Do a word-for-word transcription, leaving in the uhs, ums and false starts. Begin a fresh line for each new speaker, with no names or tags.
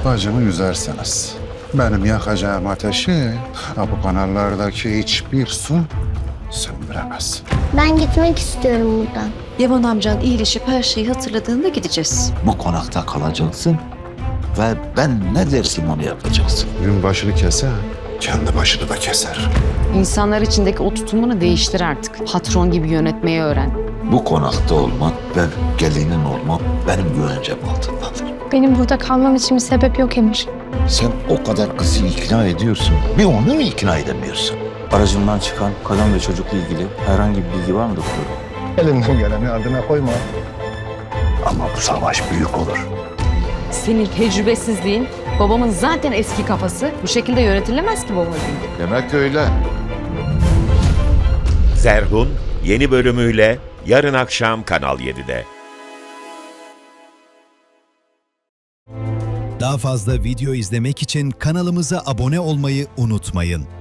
Bacımı üzerseniz benim yakacağım ateşi bu kanallardaki hiçbir su söndüremez.
Ben gitmek istiyorum buradan.
Yaman amcan iyileşip her şeyi hatırladığında gideceğiz.
Bu konakta kalacaksın ve ben ne dersim onu yapacaksın.
Gün başını kese, kendi başını da keser.
İnsanlar içindeki o tutumunu değiştir artık. Patron gibi yönetmeyi öğren.
Bu konakta olmak ve gelinin olmak benim güvencem altındadır.
Benim burada kalmam için bir sebep yok Emir.
Sen o kadar kızı ikna ediyorsun. Bir onu mu ikna edemiyorsun?
Aracından çıkan kadın ve çocukla ilgili herhangi bir bilgi var mı doktor?
Elinden geleni ardına koyma.
Ama bu savaş büyük olur.
Senin tecrübesizliğin, babamın zaten eski kafası. Bu şekilde yönetilemez ki babacığım.
Demek öyle.
Zerhun yeni bölümüyle yarın akşam Kanal yedide.
Daha fazla video izlemek için kanalımıza abone olmayı unutmayın.